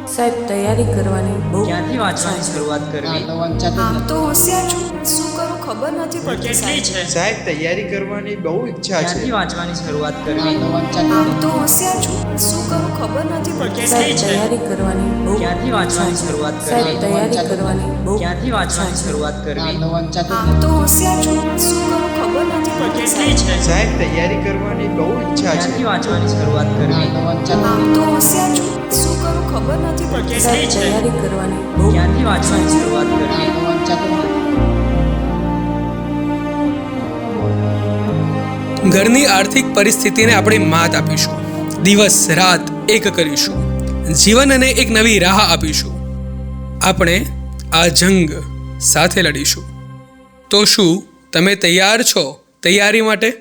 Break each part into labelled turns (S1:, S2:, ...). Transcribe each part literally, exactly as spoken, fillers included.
S1: સાહેબ તૈયારી કરવાની બહુ
S2: ક્યાંથી વાંચવાની શરૂઆત કરવી?
S3: આમ તો હોશિયાર છું, શું કરું ખબર નથી પડતી
S2: કેટલી છે?
S4: સાહેબ તૈયારી કરવાની બહુ ઈચ્છા છે.
S2: ક્યાંથી વાંચવાની શરૂઆત કરવી?
S3: આમ તો હોશિયાર છું, શું કરું ખબર નથી પડતી
S1: સાહેબ તૈયારી કરવાની બહુ
S2: ક્યાંથી વાંચવાની શરૂઆત
S1: સાહેબ
S2: કરવી?
S1: તૈયારી કરવાની બહુ
S2: ક્યાંથી વાંચવાની શરૂઆત કરવી?
S3: આમ તો હોશિયાર છું, શું કરું ખબર નથી પડતી
S2: કેટલી છે?
S4: સાહેબ તૈયારી કરવાની બહુ ઈચ્છા છે.
S2: ક્યાંથી વાંચવાની શરૂઆત કરવી?
S3: આમ તો હોશિયાર છું, શું કરું ખબર નથી પડતી
S1: સાહેબ તૈયારી કરવાની બહુ
S2: ક્યાંથી વાંચવાની શરૂઆત કરવી?
S5: ઘરની આર્થિક પરિસ્થિતિને આપણે માત આપીશું, દિવસ રાત એક કરીશું, જીવન અને એક નવી રાહ આપીશું. આપણે આ જંગ સાથે લડીશું. તો શું તમે તૈયાર છો તૈયારી માટે?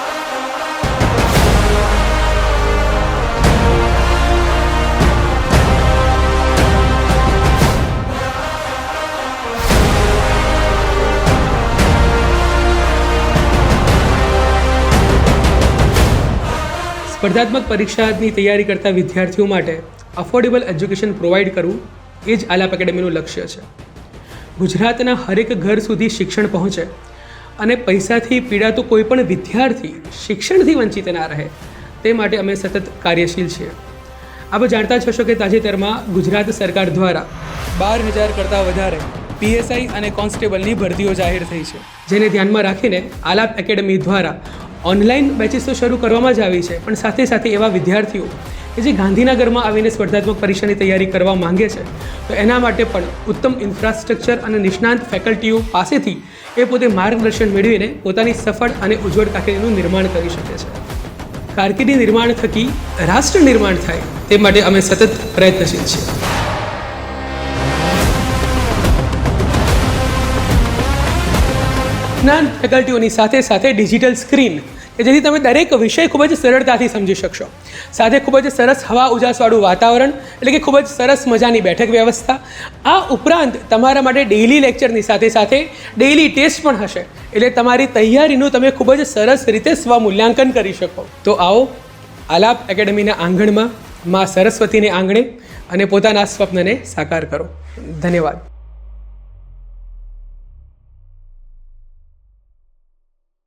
S5: સ્પર્ધાત્મક પરીક્ષાની તૈયારી કરતા વિદ્યાર્થીઓ માટે અફોર્ડેબલ એજ્યુકેશન પ્રોવાઈડ કરવું એ જ આલાપ એકેડેમીનું લક્ષ્ય છે. ગુજરાતના હરેક ઘર સુધી શિક્ષણ પહોંચે અને પૈસાથી પીડાતો કોઈ પણ વિદ્યાર્થી શિક્ષણથી વંચિત ના રહે તે માટે અમે સતત કાર્યશીલ છીએ. આપ જાણતા જ હશો કે તાજેતરમાં ગુજરાત સરકાર દ્વારા બાર હજાર કરતાં વધારે પીએસઆઈ અને કોન્સ્ટેબલની ભરતીઓ જાહેર થઈ છે, જેને ધ્યાનમાં રાખીને આલાપ એકેડેમી દ્વારા ઓનલાઈન બેચીસ તો શરૂ કરવામાં જ આવી છે, પણ સાથે સાથે એવા વિદ્યાર્થીઓ કે જે ગાંધીનગરમાં આવીને સ્પર્ધાત્મક પરીક્ષાની તૈયારી કરવા માંગે છે તો એના માટે પણ ઉત્તમ ઇન્ફ્રાસ્ટ્રક્ચર અને નિષ્ણાંત ફેકલ્ટીઓ પાસેથી એ પોતે માર્ગદર્શન મેળવીને પોતાની સફળ અને ઉજ્જવળ કારકિર્દીનું નિર્માણ કરી શકે છે. કારકિર્દી નિર્માણ થકી રાષ્ટ્ર નિર્માણ થાય તે માટે અમે સતત પ્રયત્નશીલ છીએ. જ્ઞાન ફેકલ્ટીઓની સાથે સાથે ડિજિટલ સ્ક્રીન કે જેથી તમે દરેક વિષય ખૂબ જ સરળતાથી સમજી શકશો. સાથે ખૂબ જ સરસ હવા ઉજાસવાળું વાતાવરણ એટલે કે ખૂબ જ સરસ મજાની બેઠક વ્યવસ્થા. આ ઉપરાંત તમારા માટે ડેઇલી લેક્ચરની સાથે સાથે ડેઇલી ટેસ્ટ પણ હશે, એટલે તમારી તૈયારીનું તમે ખૂબ જ સરસ રીતે સ્વમૂલ્યાંકન કરી શકો. તો આવો આલાપ એકેડેમીના આંગણમાં મા સરસ્વતીને આંગણે અને પોતાના સ્વપ્નને સાકાર કરો. ધન્યવાદ.